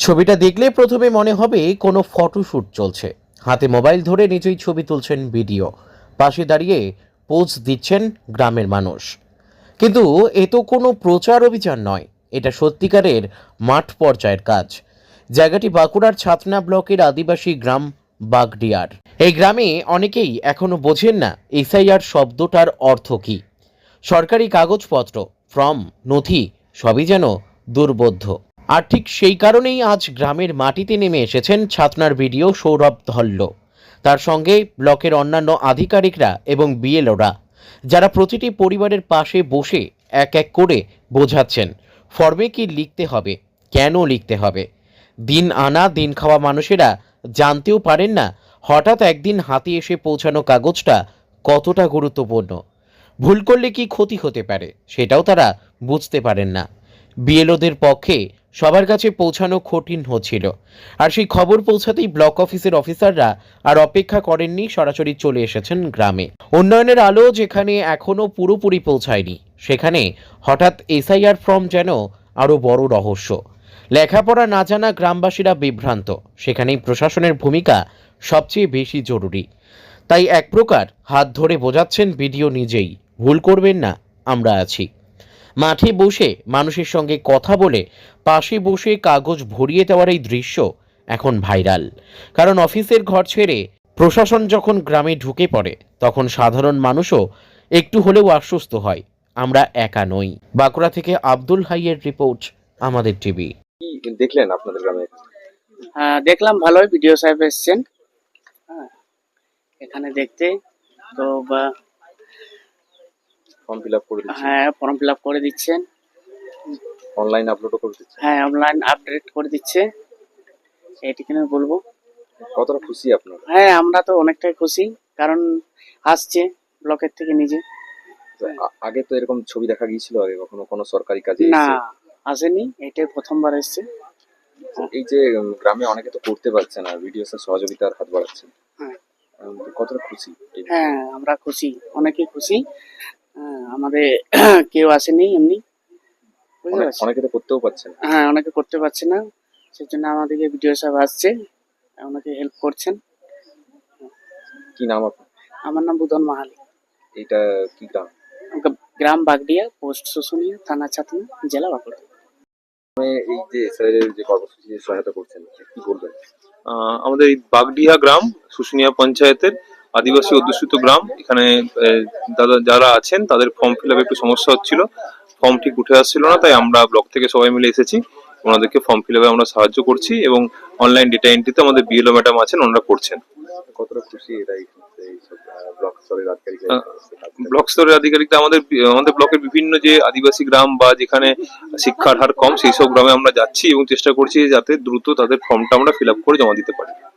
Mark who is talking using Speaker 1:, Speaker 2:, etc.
Speaker 1: ছবিটা দেখলে প্রথমে মনে হবে কোনো ফটোশ্যুট চলছে। হাতে মোবাইল ধরে নিজেই ছবি তুলছেন ভিডিও, পাশে দাঁড়িয়ে পোজ দিচ্ছেন গ্রামের মানুষ। কিন্তু এ তো কোনো প্রচার অভিযান নয়, এটা সত্যিকারের মাঠ পর্যায়ের কাজ। জায়গাটি বাঁকুড়ার ছাতনা ব্লকের আদিবাসী গ্রাম বাগডিয়ার। এই গ্রামে অনেকেই এখনো বোঝেন না এসআইআর শব্দটার অর্থ কী। সরকারি কাগজপত্র, ফর্ম, নথি সবই যেন দুর্বোধ্য। আর ঠিক সেই কারণেই আজ গ্রামের মাটিতে নেমে এসেছেন ছাতনার বিডিও সৌরভ ধল্ল, তার সঙ্গে ব্লকের অন্যান্য আধিকারিকরা এবং বিএলওরা, যারা প্রতিটি পরিবারের পাশে বসে এক এক করে বোঝাচ্ছেন ফর্মে কি লিখতে হবে, কেন লিখতে হবে। দিন আনা দিন খাওয়া মানুষেরা জানতেও পারেন না হঠাৎ একদিন হাতে এসে পৌঁছানো কাগজটা কতটা গুরুত্বপূর্ণ। ভুল করলে কি ক্ষতি হতে পারে সেটাও তারা বুঝতে পারেন না। বিএলওদের পক্ষে সবার কাছে পৌঁছানো কঠিন হচ্ছিল। আর সেই খবর পৌঁছাতেই ব্লক অফিসের অফিসাররা আর অপেক্ষা করেননি, সরাসরি চলে এসেছেন গ্রামে। উন্নয়নের আলো যেখানে এখনো পুরোপুরি পৌঁছায়নি, সেখানে হঠাৎ এসআইআর ফর্ম যেন আরও বড় রহস্য। লেখাপড়া না জানা গ্রামবাসীরা বিভ্রান্ত, সেখানেই প্রশাসনের ভূমিকা সবচেয়ে বেশি জরুরি। তাই এক প্রকার হাত ধরে বোঝাচ্ছেন বিডিও নিজেই, ভুল করবেন না, আমরা আছি। মাঠে বসে মানুষের সঙ্গে কথা বলে পাশে বসে কাগজ ভরিয়ে দেওয়ার এই দৃশ্য এখন ভাইরাল। কারণ অফিসের ঘর ছেড়ে প্রশাসন যখন গ্রামে ঢুকে পড়ে, তখন সাধারণ মানুষও একটু হলেও আশ্বস্ত হয়, আমরা একা নই। বাঁকুড়া থেকে আব্দুল হাইয়ের রিপোর্ট, আমাদের টিভি।
Speaker 2: কি দেখলেন আপনাদের গ্রামে?
Speaker 3: দেখলাম ভালোই, বিডিও সাহেব এসছেন এখানে দেখতে। তো
Speaker 2: ফর্ম ফিল আপ করে দিচ্ছেন?
Speaker 3: হ্যাঁ, ফর্ম ফিল আপ করে দিচ্ছেন,
Speaker 2: অনলাইন আপলোডও করে দিচ্ছেন?
Speaker 3: হ্যাঁ, অনলাইন আপডেট করে দিচ্ছে। এইটুকুনি বলবো।
Speaker 2: কতটা খুশি আপনারা?
Speaker 3: হ্যাঁ, আমরা তো অনেকটাই খুশি, কারণ আসছে ব্লকের থেকে নিজে।
Speaker 2: আগে তো এরকম ছবি দেখা গিয়েছিল আগে কখনো কোনো সরকারি কাজে?
Speaker 3: না, আসেনি, এটাই প্রথমবার এসছে।
Speaker 2: এই যে গ্রামে অনেকে তো করতে পারছে না, ভিডিও স্যার সহযোগিতার হাত বাড়াচ্ছেন,
Speaker 3: হ্যাঁ,
Speaker 2: কতটা খুশি?
Speaker 3: হ্যাঁ, আমরা খুশি, অনেকেই খুশি। আমাদের কেউ আসেনি এমনি, বুঝতে পারছি।
Speaker 2: অনেকে তো করতেও পারছে না।
Speaker 3: হ্যাঁ, অনেকে করতে পারছে না, সেই জন্য আমাদেরকে বিডিও সাহেব আসছে, আমাকে হেল্প করছেন।
Speaker 2: কি নাম আপনার?
Speaker 3: আমার নাম বুধন মাহালি।
Speaker 2: এটা কি গ্রাম?
Speaker 3: গ্রাম বাগডিয়া, পোস্ট শুশুনিয়া, থানা ছাতনা, জেলা বাঁকুড়া।
Speaker 2: এই যে স্যারের যে কর্মসূচি সহায়তা করছেন, কি বলবেন?
Speaker 4: আমাদের এই বাগডিহা গ্রাম শুশুনিয়া পঞ্চায়েতের আদিবাসী অধ্যুষিত গ্রাম। এখানে দাদা যারা আছেন তাদের ফর্ম ফিল আপ একটু সমস্যা হচ্ছিল, ফর্ম ঠিক উঠে আসছিল না, তাই আমরা ব্লক থেকে সবাই মিলে এসেছি, ওনাদেরকে ফর্ম ফিল আপে আমরা সাহায্য করছি এবং অনলাইন ডেটা এন্ট্রিতে আমাদের বিএলও ম্যাডাম আছেন, ওনারা করছেন।
Speaker 2: কতটা খুশি এরা ব্লক স্তরের আধিকারিক?
Speaker 4: ব্লক স্তরের আধিকারিকরা আমাদের ব্লকের বিভিন্ন যে আদিবাসী গ্রাম বা যেখানে শিক্ষার হার কম, সেই সব গ্রামে আমরা যাচ্ছি এবং চেষ্টা করছি যাতে দ্রুত তাদের ফর্মটা আমরা ফিল আপ করে জমা দিতে পারি।